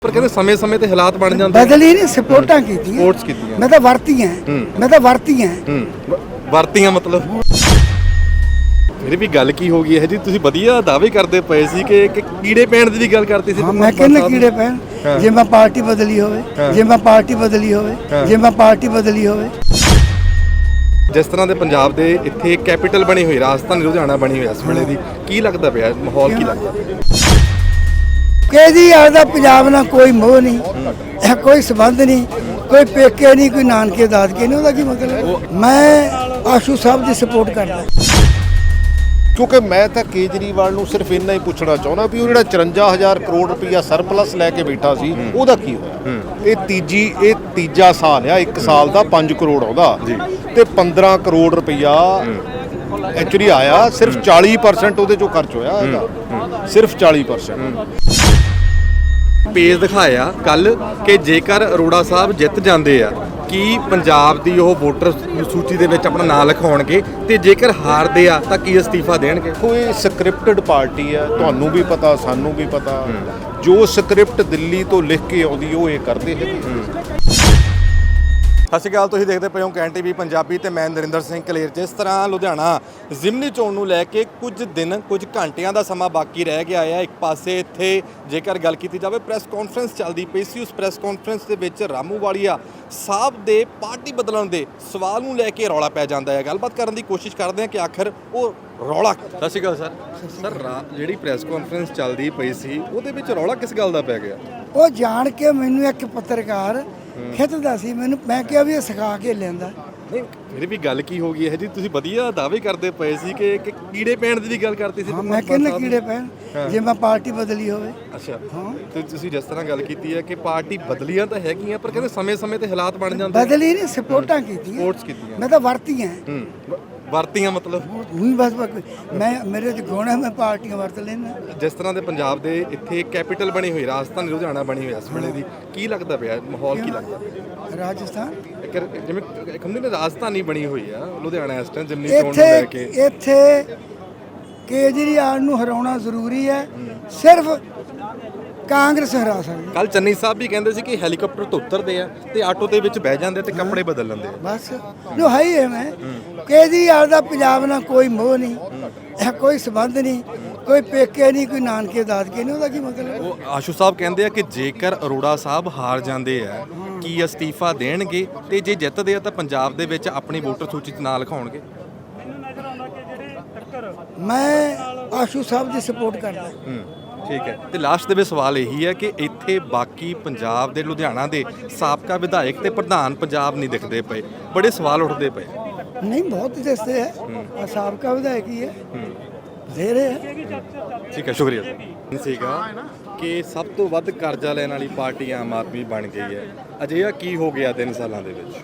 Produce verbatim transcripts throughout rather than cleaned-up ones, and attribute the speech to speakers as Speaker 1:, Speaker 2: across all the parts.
Speaker 1: ਪਰ ਕਹਿੰਦੇ ਸਮੇਂ-ਸਮੇਂ ਤੇ ਹਾਲਾਤ ਬਣ ਜਾਂਦੇ
Speaker 2: ਬਦਲੀ ਨਹੀਂ ਸਪੋਰਟਾਂ ਕੀਤੀਆਂ
Speaker 1: ਸਪੋਰਟਸ ਕੀਤੀਆਂ
Speaker 2: ਮੈਂ ਤਾਂ ਵਰਤੀਆਂ ਮੈਂ ਤਾਂ ਵਰਤੀਆਂ
Speaker 1: ਹੂੰ ਵਰਤੀਆਂ ਮਤਲਬ ਮੇਰੀ ਵੀ ਗੱਲ ਕੀ ਹੋ ਗਈ ਹੈ ਜੀ ਤੁਸੀਂ ਵਧੀਆ ਦਾਅਵੇ ਕਰਦੇ ਪਏ ਸੀ ਕਿ ਕਿ ਕੀੜੇ ਪੈਣ ਦੀ ਵੀ ਗੱਲ ਕਰਤੀ ਸੀ
Speaker 2: ਹਾਂ ਮੈਂ ਕਹਿੰਦਾ ਕੀੜੇ ਪੈਣ ਜੇ ਮੈਂ ਪਾਰਟੀ ਬਦਲੀ ਹੋਵੇ ਜੇ ਮੈਂ ਪਾਰਟੀ ਬਦਲੀ ਹੋਵੇ ਜੇ ਮੈਂ ਪਾਰਟੀ ਬਦਲੀ ਹੋਵੇ
Speaker 1: ਜਿਸ ਤਰ੍ਹਾਂ ਦੇ ਪੰਜਾਬ ਦੇ ਇੱਥੇ ਕੈਪੀਟਲ ਬਣੀ ਹੋਈ ਰਾਜਧਾਨੀ ਲੁਧਿਆਣਾ ਬਣੀ ਹੋਈ ਇਸ ਵੇਲੇ ਦੀ ਕੀ ਲੱਗਦਾ ਪਿਆ ਮਾਹੌਲ ਕੀ ਲੱਗਦਾ
Speaker 2: ਕਿਹਦੀ ਆਦਾ ਪੰਜਾਬ ਨਾਲ ਕੋਈ ਮੋਹ ਨਹੀਂ ਕੋਈ ਸਬੰਧ ਨਹੀਂ ਕੋਈ ਪੇਕੇ ਨਹੀਂ ਕੋਈ ਨਾਨਕੇ ਦਾਦਕੇ ਨਹੀਂ ਉਹਦਾ ਕੀ ਮਤਲਬ ਮੈਂ ਆਸ਼ੂ ਸਾਹਿਬ ਦੀ ਸਪੋਰਟ ਕਰਦਾ
Speaker 3: ਕਿਉਂਕਿ ਮੈਂ ਤਾਂ ਕੇਜਰੀਵਾਲ ਨੂੰ ਸਿਰਫ ਇੰਨਾ ਹੀ ਪੁੱਛਣਾ ਚਾਹੁੰਦਾ ਵੀ ਉਹ ਜਿਹੜਾ ਚੁਰੰਜਾ ਹਜ਼ਾਰ ਕਰੋੜ ਰੁਪਈਆ ਸਰਪਲਸ ਲੈ ਕੇ ਬੈਠਾ ਸੀ ਉਹਦਾ ਕੀ ਹੋਇਆ ਇਹ ਤੀਜੀ ਇਹ ਤੀਜਾ ਸਾਲ ਆ ਇੱਕ ਸਾਲ ਦਾ ਪੰਜ ਕਰੋੜ ਆਉਂਦਾ ਤੇ ਪੰਦਰਾਂ ਕਰੋੜ ਰੁਪਈਆ ਐਕਚੁਅਲੀ ਆਇਆ ਸਿਰਫ ਚਾਲੀ ਪਰਸੈਂਟ ਉਹਦੇ ਚੋਂ ਖਰਚ ਹੋਇਆ ਇਹਦਾ ਸਿਰਫ ਚਾਲੀ ਪਰਸੈਂਟ
Speaker 1: ਪੇਜ ਦਿਖਾਇਆ ਕੱਲ ਕਿ ਜੇਕਰ ਅਰੋੜਾ ਸਾਹਿਬ ਜਿੱਤ ਜਾਂਦੇ ਆ ਕੀ ਪੰਜਾਬ ਦੀ ਉਹ ਵੋਟਰ ਸੂਚੀ ਦੇ ਵਿੱਚ ਆਪਣਾ ਨਾਂ ਲਿਖਾਉਣਗੇ ਤੇ ਜੇਕਰ ਹਾਰਦੇ ਆ ਤਾਂ ਕੀ ਅਸਤੀਫਾ ਦੇਣਗੇ
Speaker 3: ਕੋਈ ਸਕ੍ਰਿਪਟਡ ਪਾਰਟੀ ਆ ਤੁਹਾਨੂੰ ਵੀ ਪਤਾ ਸਾਨੂੰ ਵੀ ਪਤਾ ਜੋ ਸਕ੍ਰਿਪਟ ਦਿੱਲੀ ਤੋਂ ਲਿਖ ਕੇ ਆਉਂਦੀ ਉਹ ਇਹ ਕਰਦੇ ਹੈਗੇ
Speaker 1: ਸਤਿ ਸ਼੍ਰੀ ਅਕਾਲ ਤੁਸੀਂ ਦੇਖਦੇ ਪਏ ਹੋ ਕੈਨ ਟੀਵੀ ਪੰਜਾਬੀ ਤੇ ਮੈਂ ਨਰਿੰਦਰ ਸਿੰਘ ਕਲੇਰ। ਜਿਸ ਤਰ੍ਹਾਂ ਲੁਧਿਆਣਾ ਜ਼ਿਮਨੀ ਚੋਣ ਨੂੰ ਲੈ ਕੇ ਕੁਝ ਦਿਨ ਕੁਝ ਘੰਟਿਆਂ ਦਾ ਸਮਾਂ ਬਾਕੀ ਰਹਿ ਗਿਆ ਹੈ ਇੱਕ ਪਾਸੇ ਇੱਥੇ ਜੇਕਰ ਗੱਲ ਕੀਤੀ ਜਾਵੇ ਪ੍ਰੈਸ ਕਾਨਫਰੰਸ ਚੱਲਦੀ ਪਈ ਸੀ ਉਸ ਪ੍ਰੈਸ ਕਾਨਫਰੰਸ ਦੇ ਵਿੱਚ ਰਾਮੂਵਾਲੀਆ ਸਾਹਿਬ ਦੇ ਪਾਰਟੀ ਬਦਲਣ ਦੇ ਸਵਾਲ ਨੂੰ ਲੈ ਕੇ ਰੌਲਾ ਪੈ ਜਾਂਦਾ ਹੈ। ਗੱਲਬਾਤ ਕਰਨ ਦੀ ਕੋਸ਼ਿਸ਼ ਕਰਦੇ ਹਾਂ ਕਿ ਆਖਰ ਉਹ ਰੌਲਾ ਸਤਿ ਸ਼੍ਰੀ ਅਕਾਲ ਸਰ ਸਰ ਜਿਹੜੀ ਪ੍ਰੈਸ ਕਾਨਫਰੰਸ ਚੱਲਦੀ ਪਈ ਸੀ ਉਹਦੇ ਵਿੱਚ ਰੌਲਾ ਕਿਸ ਗੱਲ ਦਾ ਪੈ ਗਿਆ
Speaker 2: ਉਹ ਜਾਣ ਕੇ ਮੈਨੂੰ ਇੱਕ ਪੱਤਰਕਾਰ ਖਿੱਚਦਾ ਸੀ ਮੈਨੂੰ ਮੈਂ ਕਿਹਾ ਵੀ ਇਹ ਸਿਖਾ ਕੇ ਲੈਂਦਾ
Speaker 1: ਨਹੀਂ ਮੇਰੀ ਵੀ ਗੱਲ ਕੀ ਹੋ ਗਈ ਹੈ ਜੀ ਤੁਸੀਂ ਵਧੀਆ ਦਾਅਵੇ ਕਰਦੇ ਪਏ ਸੀ ਕਿ ਕਿ ਕੀੜੇ ਪੈਣ ਦੀ ਵੀ ਗੱਲ ਕਰਤੀ ਸੀ
Speaker 2: ਹਾਂ ਮੈਂ ਕਹਿੰਦਾ ਕੀੜੇ ਪੈਣ ਜੇ ਮੈਂ ਪਾਰਟੀ ਬਦਲੀ ਹੋਵੇ
Speaker 1: ਅੱਛਾ ਹਾਂ ਤੇ ਤੁਸੀਂ ਜਿਸ ਤਰ੍ਹਾਂ ਗੱਲ ਕੀਤੀ ਹੈ ਕਿ ਪਾਰਟੀ ਬਦਲੀਆਂ ਤਾਂ ਹੈਗੀਆਂ ਪਰ ਕਹਿੰਦੇ ਸਮੇਂ-ਸਮੇਂ ਤੇ ਹਾਲਾਤ ਬਣ ਜਾਂਦੇ
Speaker 2: ਬਦਲੀ ਨਹੀਂ ਸਪੋਰਟਾਂ ਕੀਤੀਆਂ
Speaker 1: ਸਪੋਰਟਸ ਕੀਤੀਆਂ
Speaker 2: ਮੈਂ ਤਾਂ ਵਰਤੀਆਂ
Speaker 1: ਹੂੰ ਵਰਤੀਆਂ ਮਤਲਬ
Speaker 2: ਉਹੀ ਬਸ ਮੈਂ ਮੇਰੇ ਚ ਗੁਣ ਹੈ ਮੈਂ ਪਾਰਟੀਆਂ ਵਰਤ ਲੈਂਦਾ
Speaker 1: ਜਿਸ ਤਰ੍ਹਾਂ ਦੇ ਪੰਜਾਬ ਦੇ ਇੱਥੇ ਕੈਪੀਟਲ ਬਣੀ ਹੋਈ ਰਾਜਧਾਨੀ ਲੁਧਿਆਣਾ ਬਣੀ ਹੋਈ ਇਸ ਵੇਲੇ ਦੀ ਕੀ ਲੱਗਦਾ ਪਿਆ ਮਾਹੌਲ ਕੀ ਲੱਗਦਾ
Speaker 2: ਰਾਜਸਥਾਨ
Speaker 1: ਜਿਵੇਂ ਇੱਕ ਹੁੰਦੀ ਨਾ ਰਾਜਧਾਨੀ ਬਣੀ ਹੋਈ ਆ ਲੁਧਿਆਣਾ ਇਸ ਟਾਈਮ ਜ਼ਿਮਨੀ ਚੋਣ ਨੂੰ ਲੈ ਕੇ
Speaker 2: ਇੱਥੇ ਕੇਜਰੀਵਾਲ ਨੂੰ ਹਰਾਉਣਾ ਜ਼ਰੂਰੀ ਹੈ ਸਿਰਫ ਕਾਂਗਰਸ ਹਰਾ ਸਕਦੀ
Speaker 1: ਕੱਲ ਚੰਨੀ ਸਾਹਿਬ ਵੀ ਕਹਿੰਦੇ ਸੀ ਕਿ ਹੈਲੀਕਾਪਟਰ ਤੋਂ ਉਤਰਦੇ ਆ ਤੇ ਆਟੋ ਦੇ ਵਿੱਚ ਬਹਿ ਜਾਂਦੇ ਤੇ ਕੱਪੜੇ ਬਦਲ ਲੈਂਦੇ ਆ
Speaker 2: ਬਸ ਜੋ ਹੈ ਹੀ ਹੈ ਮੈਂ ਕੇਜਰੀਵਾਲ ਦਾ ਪੰਜਾਬ ਨਾਲ ਕੋਈ ਮੋਹ ਨਹੀਂ ਕੋਈ ਸਬੰਧ ਨਹੀਂ ਕੋਈ ਪੇਕੇ ਨਹੀਂ ਕੋਈ ਨਾਨਕੇ ਦਾਦਕੇ ਨਹੀਂ ਉਹਦਾ ਕੀ ਮਤਲਬ
Speaker 1: ਉਹ ਆਸ਼ੂ ਸਾਹਿਬ ਕਹਿੰਦੇ ਆ ਕਿ ਜੇਕਰ ਅਰੋੜਾ ਸਾਹਿਬ ਹਾਰ ਜਾਂਦੇ ਆ ਕੀ ਅਸਤੀਫਾ ਦੇਣਗੇ ਤੇ ਜੇ ਜਿੱਤਦੇ ਆ ਤਾਂ ਪੰਜਾਬ ਦੇ ਵਿੱਚ ਆਪਣੀ ਵੋਟਰ ਸੂਚੀ 'ਚ ਨਾਂ ਲਿਖਾਉਣਗੇ
Speaker 2: ਮੈਂ ਆਸ਼ੂ ਸਾਹਿਬ ਦੀ ਸਪੋਰਟ ਕਰਦਾ
Speaker 1: ਠੀਕ ਹੈ ਤੇ ਲਾਸਟ ਦੇ ਵਿੱਚ ਸਵਾਲ ਇਹੀ ਹੈ ਕਿ ਇੱਥੇ ਬਾਕੀ ਪੰਜਾਬ ਦੇ ਲੁਧਿਆਣਾ ਦੇ ਸਾਬਕਾ ਵਿਧਾਇਕ ਤੇ ਪ੍ਰਧਾਨ ਪੰਜਾਬ ਨਹੀਂ ਦਿਖਦੇ ਪਏ ਬੜੇ ਸਵਾਲ ਉੱਠਦੇ ਪਏ
Speaker 2: ਨਹੀਂ ਬਹੁਤ ਦਿਸਦੇ ਹੈ ਆ ਸਾਬਕਾ ਵਿਧਾਇਕ ਹੀ ਹੈ ਬਥੇਰੇ ਹੈ
Speaker 1: ਠੀਕ ਹੈ ਸ਼ੁਕਰੀਆ ਸਰ ਸੀਗਾ ਕਿ ਸਭ ਤੋਂ ਵੱਧ ਕਰਜ਼ਾ ਲੈਣ ਵਾਲੀ ਪਾਰਟੀ ਆਮ ਆਦਮੀ ਬਣ ਗਈ ਹੈ ਅਜਿਹਾ ਕੀ ਹੋ ਗਿਆ ਤਿੰਨ ਸਾਲਾਂ ਦੇ ਵਿੱਚ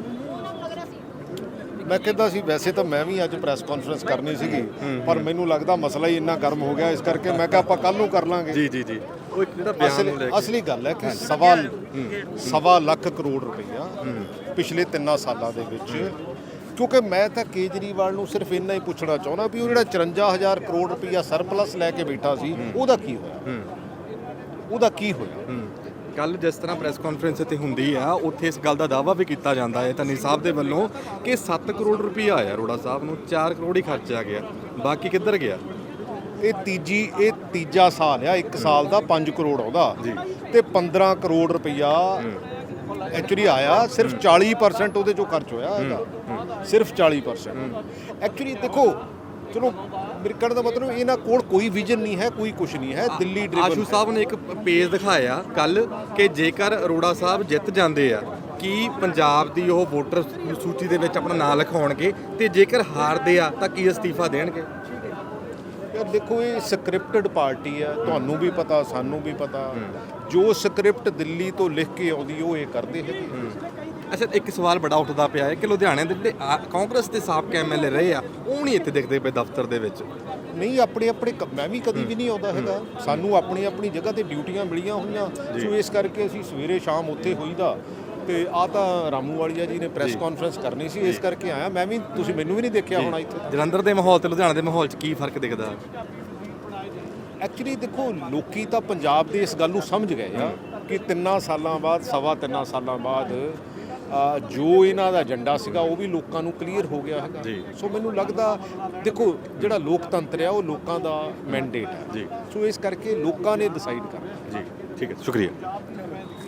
Speaker 3: ਮੈਂ ਕਹਿੰਦਾ ਸੀ ਵੈਸੇ ਤਾਂ ਮੈਂ ਵੀ ਅੱਜ ਪ੍ਰੈਸ ਕਾਨਫਰੰਸ ਕਰਨੀ ਸੀਗੀ ਪਰ ਮੈਨੂੰ ਲੱਗਦਾ ਮਸਲਾ ਹੀ ਇੰਨਾ ਗਰਮ ਹੋ ਗਿਆ ਇਸ ਕਰਕੇ ਮੈਂ ਕਿਹਾ ਆਪਾਂ ਕੱਲ ਨੂੰ ਕਰ ਲਾਂਗੇ
Speaker 1: ਜੀ ਜੀ ਜੀ ਉਹ ਇੱਕ ਜਿਹੜਾ ਬਿਆਨ ਨੂੰ ਲੈ ਕੇ
Speaker 3: ਅਸਲੀ ਗੱਲ ਹੈ ਕਿ ਸਵਾ ਸਵਾ ਲੱਖ ਕਰੋੜ ਰੁਪਈਆ ਪਿਛਲੇ ਤਿੰਨਾਂ ਸਾਲਾਂ ਦੇ ਵਿੱਚ ਕਿਉਂਕਿ ਮੈਂ ਤਾਂ ਕੇਜਰੀਵਾਲ ਨੂੰ ਸਿਰਫ ਇੰਨਾ ਹੀ ਪੁੱਛਣਾ ਚਾਹੁੰਦਾ ਵੀ ਉਹ ਜਿਹੜਾ ਚੁਰੰਜਾ ਹਜ਼ਾਰ ਕਰੋੜ ਰੁਪਈਆ ਸਰਪਲਸ ਲੈ ਕੇ ਬੈਠਾ ਸੀ ਉਹਦਾ ਕੀ ਹੋਇਆ ਉਹਦਾ ਕੀ ਹੋਇਆ
Speaker 1: ਕੱਲ ਜਿਸ ਤਰ੍ਹਾਂ ਪ੍ਰੈਸ ਕਾਨਫਰੰਸ ਇੱਥੇ ਹੁੰਦੀ ਆ ਉੱਥੇ ਇਸ ਗੱਲ ਦਾ ਦਾਅਵਾ ਵੀ ਕੀਤਾ ਜਾਂਦਾ ਹੈ ਧਨੀ ਸਾਹਿਬ ਦੇ ਵੱਲੋਂ ਕਿ ਸੱਤ ਕਰੋੜ ਰੁਪਈਆ ਆਇਆ ਅਰੋੜਾ ਸਾਹਿਬ ਨੂੰ ਚਾਰ ਕਰੋੜ ਹੀ ਖਰਚਿਆ ਗਿਆ ਬਾਕੀ ਕਿੱਧਰ ਗਿਆ
Speaker 3: ਇਹ ਤੀਜੀ ਇਹ ਤੀਜਾ ਸਾਲ ਆ ਇੱਕ ਸਾਲ ਦਾ ਪੰਜ ਕਰੋੜ ਆਉਂਦਾ ਤੇ ਪੰਦਰਾਂ ਕਰੋੜ ਰੁਪਈਆ ਐਕਚੁਅਲੀ ਆਇਆ ਸਿਰਫ ਚਾਲੀ ਪਰਸੈਂਟ ਉਹਦੇ ਚੋਂ ਖਰਚ ਹੋਇਆ ਇਹਦਾ ਸਿਰਫ ਚਾਲੀ ਪਰਸੈਂਟ ਐਕਚੁਅਲੀ ਦੇਖੋ ਚਲੋ ਮੇਰੇ ਕਹਿਣ ਦਾ ਮਤਲਬ ਇਹਨਾਂ ਕੋਲ ਕੋਈ ਵਿਜ਼ਨ ਨਹੀਂ ਹੈ ਕੋਈ ਕੁਝ ਨਹੀਂ ਹੈ ਦਿੱਲੀ ਡਰਿਵਨ
Speaker 1: ਆਸ਼ੂ ਸਾਹਿਬ ਨੇ ਇੱਕ ਪੇਜ ਦਿਖਾਇਆ ਕੱਲ ਕਿ ਜੇਕਰ ਅਰੋੜਾ ਸਾਹਿਬ ਜਿੱਤ ਜਾਂਦੇ ਆ ਕੀ ਪੰਜਾਬ ਦੀ ਉਹ ਵੋਟਰ ਸੂਚੀ ਦੇ ਵਿੱਚ ਆਪਣਾ ਨਾਂ ਲਿਖਾਉਣਗੇ ਤੇ ਜੇਕਰ ਹਾਰਦੇ ਆ ਤਾਂ ਕੀ ਅਸਤੀਫਾ ਦੇਣਗੇ
Speaker 3: ਯਾਰ ਦੇਖੋ ਇਹ ਸਕ੍ਰਿਪਟਡ ਪਾਰਟੀ ਆ ਤੁਹਾਨੂੰ ਵੀ ਪਤਾ ਸਾਨੂੰ ਵੀ ਪਤਾ ਜੋ ਸਕ੍ਰਿਪਟ ਦਿੱਲੀ ਤੋਂ ਲਿਖ ਕੇ ਆਉਂਦੀ ਉਹ ਇਹ ਕਰਦੇ ਹੈਗੇ
Speaker 1: ਅੱਛਾ ਇੱਕ ਸਵਾਲ ਬੜਾ ਉੱਠਦਾ ਪਿਆ ਹੈ ਕਿ ਲੁਧਿਆਣੇ ਦੇ ਜਿਹੜੇ ਕਾਂਗਰਸ ਦੇ ਸਾਬਕਾ ਐਮ ਐਲ ਏ ਰਹੇ ਆ ਉਹ ਨਹੀਂ ਇੱਥੇ ਦਿਖਦੇ ਪਏ ਦਫ਼ਤਰ ਦੇ ਵਿੱਚ
Speaker 3: ਨਹੀਂ ਆਪਣੇ ਆਪਣੇ ਮੈਂ ਵੀ ਕਦੀ ਵੀ ਨਹੀਂ ਆਉਂਦਾ ਹੈਗਾ ਸਾਨੂੰ ਆਪਣੀ ਆਪਣੀ ਜਗ੍ਹਾ ਤੇ ਡਿਊਟੀਆਂ ਮਿਲੀਆਂ ਹੋਈਆਂ ਸੋ ਇਸ ਕਰਕੇ ਅਸੀਂ ਸਵੇਰੇ ਸ਼ਾਮ ਉੱਥੇ ਹੋਈਦਾ ਤੇ ਆ ਤਾਂ ਰਾਮੂਵਾਲੀਆ ਜੀ ਨੇ ਪ੍ਰੈਸ ਕਾਨਫਰੰਸ ਕਰਨੀ ਸੀ ਇਸ ਕਰਕੇ ਆਇਆ ਮੈਂ ਵੀ ਤੁਸੀਂ ਮੈਨੂੰ ਵੀ ਨਹੀਂ ਦੇਖਿਆ ਹੋਣਾ ਇੱਥੇ
Speaker 1: ਜਲੰਧਰ ਦੇ ਮਾਹੌਲ ਤੇ ਲੁਧਿਆਣਾ ਦੇ ਮਾਹੌਲ 'ਚ ਕੀ ਫਰਕ ਦਿਖਦਾ
Speaker 3: ਐਕਚੁਅਲੀ ਦੇਖੋ ਲੋਕੀ ਤਾਂ ਪੰਜਾਬ ਦੇ ਇਸ ਗੱਲ ਨੂੰ ਸਮਝ ਗਏ ਆ ਕਿ ਤਿੰਨਾਂ ਸਾਲਾਂ ਬਾਅਦ ਸਵਾ ਤਿੰਨਾਂ ਸਾਲਾਂ ਬਾਅਦ ਅ, ਜੋ ਇਹਨਾਂ ਦਾ ਏਜੰਡਾ ਸੀਗਾ ਉਹ ਵੀ ਲੋਕਾਂ ਨੂੰ ਕਲੀਅਰ ਹੋ ਗਿਆ ਹੈਗਾ।
Speaker 1: ਜੀ।
Speaker 3: ਸੋ ਮੈਨੂੰ ਲੱਗਦਾ ਦੇਖੋ ਜਿਹੜਾ ਲੋਕਤੰਤਰ ਆ ਉਹ ਲੋਕਾਂ ਦਾ ਮੈਂਡੇਟ ਹੈ।
Speaker 1: ਜੀ।
Speaker 3: ਸੋ ਇਸ ਕਰਕੇ ਲੋਕਾਂ ਨੇ ਡਿਸਾਈਡ ਕਰਨਾ।
Speaker 1: ਜੀ ਠੀਕ ਹੈ, ਸ਼ੁਕਰੀਆ।